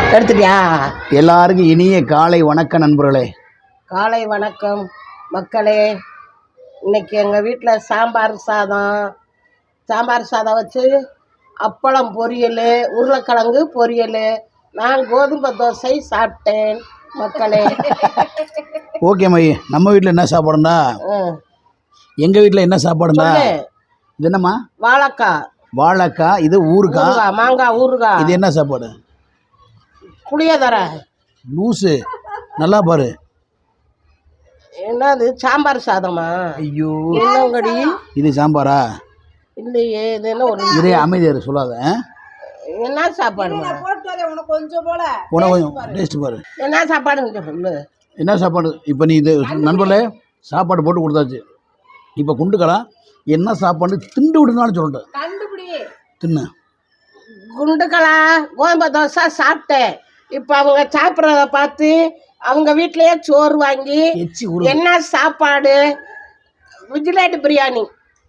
எடுத்துட்டியா? எல்லாருக்கும் இனிய காலை வணக்கம் நண்பர்களே. காலை வணக்கம் மக்களே. இன்னைக்கு எங்கள் வீட்டில் சாம்பார் சாதம் வச்சு அப்பளம் பொரியல், உருளைக்கிழங்கு பொரியல், நான் கோதுமை தோசை சாப்பிட்டேன் மக்களே. ஓகே மைய, நம்ம வீட்டில் என்ன சாப்பாடுண்டா? எங்கள் வீட்டில் என்ன சாப்பாடுண்டா? இது என்னம்மா? வாழைக்காய். இது ஊறுகாய். மாங்காய் ஊறுகாய். இது என்ன சாப்பாடு? புளியோதர. லூசு, நல்லா பாரு. என்னது சாம்பார் சாதமா? ஐயோ, என்னங்கடி இது சாம்பாரா? இல்லையே, இது என்ன ஒரு இதே அமைதியாரு, சொல்லாத. என்ன சாப்பாடு? கொஞ்சம் டேஸ்ட் பாரு. என்ன சாப்பாடு சொல்லு. என்ன சாப்பாடு? இப்போ நீ இது நண்பர்களே சாப்பாடு போட்டு கொடுத்தாச்சு. இப்போ குண்டுக்கலாம் என்ன சாப்பாடு திண்டு விடுனாலும் சொல்லிட்டேன். தின்னு குண்டுகளா கோதுமை தோசை சாப்பிட்டேன். இப்போ அவங்க சாப்பிட்றத பார்த்து அவங்க வீட்லயே சோறு வாங்கி என்ன சாப்பாடு விஜிலேட் பிரியாணி.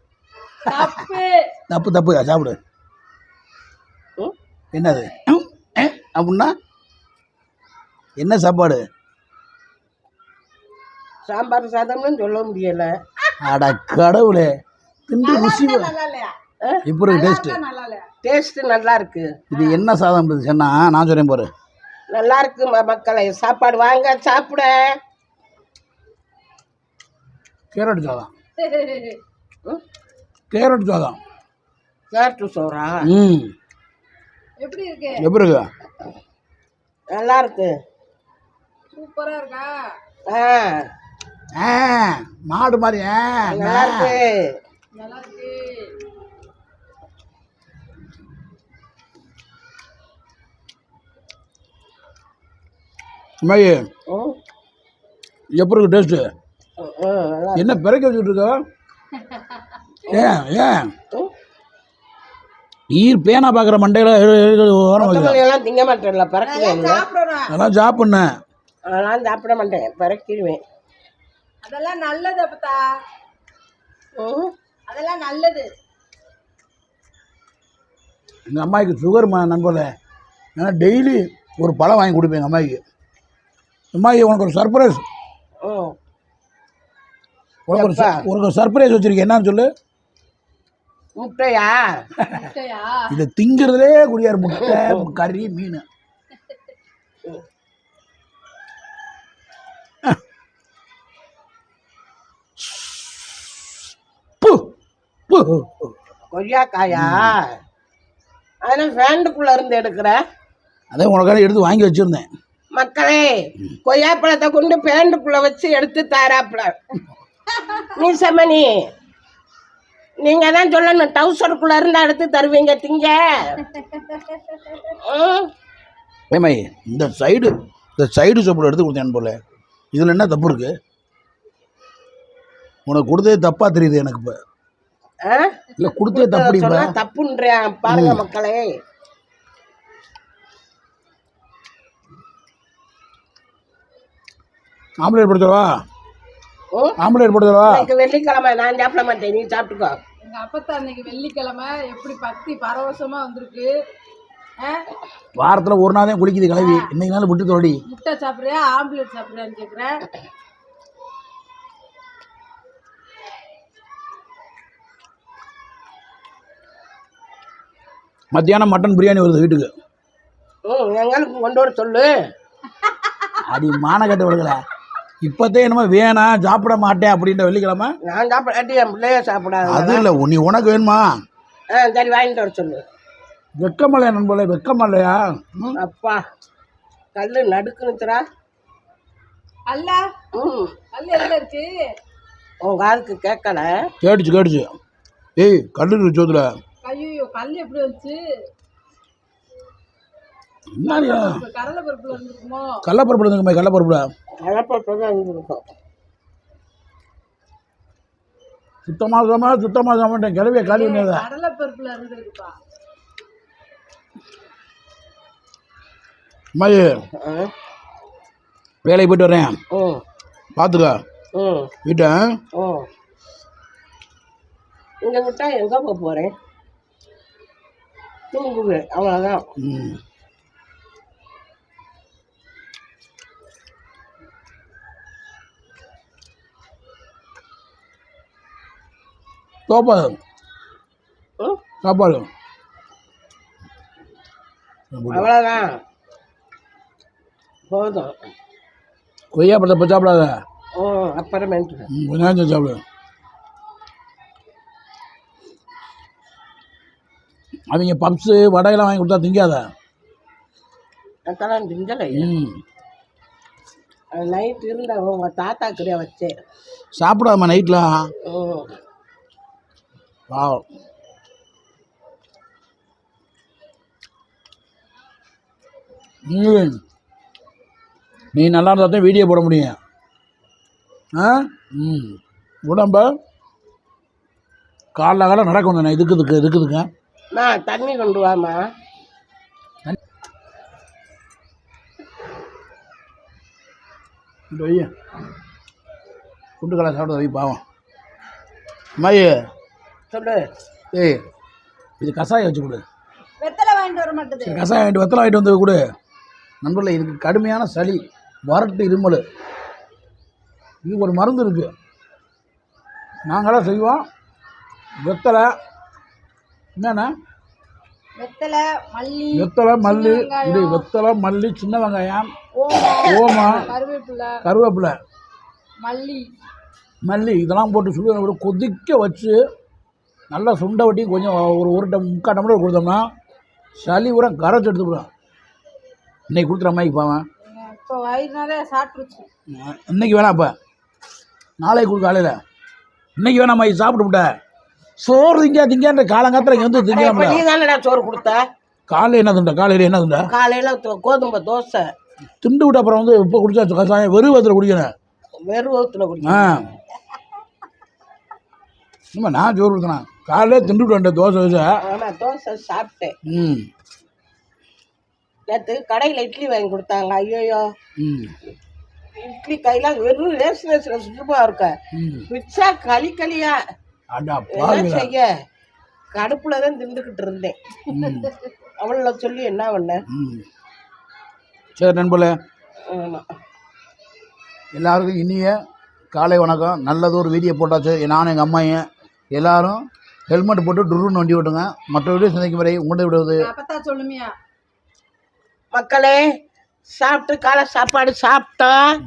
தப்பு சாப்பிடு. என்னது அப்படின்னா என்ன சாப்பாடு? சாம்பார் சாதம்னு சொல்ல முடியல. அட கடவுளே, திண்டு ருசி இப்போ டேஸ்ட் நல்லா இருக்கு. இது என்ன சாதம் சொன்னா நான் சொல்றேன் பாரு. நல்லா இருக்கு மக்களை, சாப்பாடு வாங்க சாப்பிட. கேரட் சாதம். கேரட் சோறா? எப்படி இருக்கு? நல்லா இருக்கு. சூப்பரா இருக்கா? மாடு மாதிரி. நல்லா இருக்கு. எப்படி இருக்கு டேஸ்ட்? என்ன பிறக்க வச்சுட்டு இருக்க? ஏன் ஈர் பேனா பார்க்குற மண்டையில எல்லாம் திங்க மாட்டேன்ல, பறக்குவேன். அதெல்லாம் சாப்பிட்ணேன். அதெல்லாம் சாப்பிட மாட்டேன், பறக்கிடுவேன். அதெல்லாம் நல்லது அப்பா. அதெல்லாம் நல்லது. எங்கள் அம்மாவுக்கு சுகர் நண்பர்களே, ஏன்னா டெய்லி ஒரு பழம் வாங்கி கொடுப்பேன் எங்கள் அம்மாவுக்கு. அம்மாயி உனக்கு ஒரு சர்ப்ரைஸ். உனக்கு ஒரு சர்ப்ரைஸ் வச்சிருக்கேன். என்னன்னு சொல்லு. முட்டையா? இதை திங்கிறதுலே குடியாரு. முட்டை, கறி, மீன். கொய்யாக்காயா? அதெல்லாம் ஃபேண்டுக்குள்ள இருந்து எடுக்கிற? அதே உனக்காக எடுத்து வாங்கி வச்சிருந்தேன். மக்களே, கொய்யாப்பழத்தை கொண்டு பேண்டுக்குள்ள வச்சு எடுத்து தாராப்புல. நீ செம்மணி, நீங்க தான் சொல்லணும், டவுசருக்குள்ள இருந்தா எடுத்து தருவீங்க திங்க. ஏமாய், இந்த சைடு சோப்பில் எடுத்து கொடுத்தேன் போல. இதில் என்ன தப்பு இருக்கு? உனக்கு கொடுத்ததே தப்பா தெரியுது எனக்கு. இப்போ இல்லை, கொடுத்ததே தப்பு தப்புன்றேன் பாருங்க மக்களே. ஆம்லேட் போடுறவா? வெள்ளிக்கிழமை நான் சாப்பிட மாட்டேன், நீ சாப்பிட்டுக்கோ. எங்க அப்பத்தா அன்னைக்கு வெள்ளிக்கிழமை எப்படி பக்தி பரவசமா வந்திருக்கு. வாரத்தில் ஒரு நாள் தான் குளிக்குது கிளவி. இன்னைக்கு நாள் விட்டு தோடி. முட்டை சாப்பிட்றியா ஆம்லேட் சாப்பிட்றியான்னு கேட்குறேன். மத்தியானம் மட்டன் பிரியாணி வருது வீட்டுக்கு. எங்களுக்கு கொண்டு வர சொல்லு. அடி மானக்கட்டு வருங்கள. இப்போதே என்னமோ வேணாம் சாப்பிட மாட்டேன் அப்படின்ற வெள்ளிக்கிழமை. நான் சாப்பிடாட்டி என் பிள்ளைய சாப்பிடாது. அது இல்லை, நீ உனக்கு வேணுமா? சரி வாங்கிட்டு வர சொல்லு. வெக்கமல்லையா நண்பர்களே, வெக்கமல்லையா? அப்பா கல்லு நடுக்குனுச்சுரா. அல்ல அல்ல எதுல இருக்கு? உங்க ஆளுக்கு கேட்கல. கேட்டுச்சு. ஏய், கல்லு இருக்கு சோதுல. ஐயோ, கல் எப்படி வந்துச்சு? கடலைப்பருப்புல இருந்துக்குமோ? கடலைப்பருப்புல இருந்துக்குமே. கடலைப்பருப்புல தான் இருந்திருக்கும். சுத்தமாக சாமாட்டேன் கிளவிய காலி பண்ணாத. கடலைப்பருப்புல இருந்துருக்குப்பா. அம்மாயி, வேலைக்கு போயிட்டு வரேன், பார்த்துக்க வீட்டை. இங்கே விட்டா எங்கே போக போகிறேன்? தூங்குவேன், அவ்வளோதான். சாப்பாடு ம்? சாப்பாடு அவ்வளோதான் போதும். கொய்யா பழத்தை இப்போ சாப்பிடாத. அப்புறமேட்டு கொஞ்ச நேரம் சாப்பிடு. அவங்க பப்ஸு வடையெல்லாம் வாங்கி கொடுத்தா திங்காத. அதெல்லாம் திங்கலை. அது நைட் இருந்த உங்கள் தாத்தாக்குரிய வச்சேன். சாப்பிடாம நைட்டில் பாவம். நீ நல்லா இருந்தால் தான் வீடியோ போட முடியும். உடம்ப காலைல நடக்கணும். நான் இதுக்குதுங்க நான் தண்ணி கொண்டு வாமா. வைய குண்டு கடை சாப்பிட வை பாவம். அம்மாயி சொல்லு. ஏய் இது கஷாயம் வச்சு கொடு. வெத்தலை வாங்கிட்டு வர மாட்டேது. சரி கஷாயம் வாங்கிட்டு வெத்தலை வாங்கிட்டு வந்து கொடு. நண்பர்களே இதுக்கு கடுமையான சளி வறட்டு இருமல். இதுக்கு ஒரு மருந்து இருக்குது. நாங்களாம் செய்வோம். வெத்தலை என்னென்ன வெத்தலை மல்லி இது வெத்தலை மல்லி சின்ன வெங்காயம் ஓமம் கருவேப்பிலை மல்லி இதெல்லாம் போட்டு சுடு கொதிக்க வச்சு நல்லா சுண்டை வட்டி கொஞ்சம் ஒரு முக்கால் டம்ளர் கொடுத்தோம்னா சளி உரம் கரைச்சி எடுத்துக்கிடும். இன்னைக்கு கொடுத்துற அம்மாய்க்கு பாவன். இப்போ வயிறுனாலே சாப்பிட்டுருச்சு. இன்னைக்கு வேணாம். இப்போ நாளைக்கு கொடுக்க காலையில். இன்னைக்கு வேணாம் அம்மாயி சாப்பிட்டு விட்டேன். சோறு திங்கன்ற காலங்காத்தில் இங்கே வந்து திங்க. நீ தானடா சோறு கொடுத்த. காலையில் என்ன திண்ட? காலையில் கோதுமை தோசை திண்டு விட்டு அப்புறம் வந்து இப்போ குடிச்சா கசாயம் வெறும் வயத்தில் குடிக்கணும். வெறும் வகுத்தில் குடிக்கணும். இனிமே நான் சோறு கொடுத்தேன். காலையில் திண்டு விட்டு வந்தேன் தோசை வச்சா. ஆமாம் தோசை சாப்பிட்டேன். நேற்று கடையில் இட்லி வாங்கி கொடுத்தாங்க. ஐயோயோ இட்லி கையில் வெறும் ரேஷன் சுற்றுப்பா இருக்க மிச்சா களியா செய்ய கடுப்புல தான் திண்டுக்கிட்டு இருந்தேன். அவளை சொல்லி என்ன பண்ண. சரி நண்பர்களே, ஆமாம் எல்லாருக்கும் இனிய காலை வணக்கம். நல்லது ஒரு வீடியோ போட்டாச்சு. நானும் எங்கள் அம்மாயும் எல்லாரும் ஹெல்மெட் போட்டு டுருன்னு வண்டி ஓட்டுங்க. மற்ற வீடியோ சந்திக்கும் வரை உங்களை விடுவது சொல்லுமியா. மக்களே சாப்பிட்டு காலை சாப்பாடு சாப்பிட்டோம்.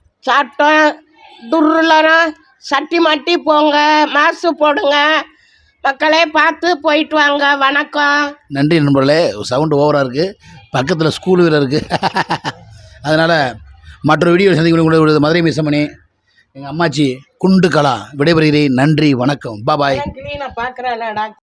துருலாம் சட்டி மாட்டி போங்க, மாசு போடுங்க. மக்களே பார்த்து போயிட்டு வாங்க. வணக்கம். நன்றி நண்பர்களே. சவுண்டு ஓவராக இருக்குது. பக்கத்தில் ஸ்கூல் வேறு இருக்குது. அதனால் மற்ற வீடியோ சந்திக்க மதுரை மிஸ்ஸமணி எங்கள் அம்மாச்சி குண்டு கலா விடைபெறுகிறேன். நன்றி வணக்கம். பாபாய். கிளீனாக பார்க்குறேன்.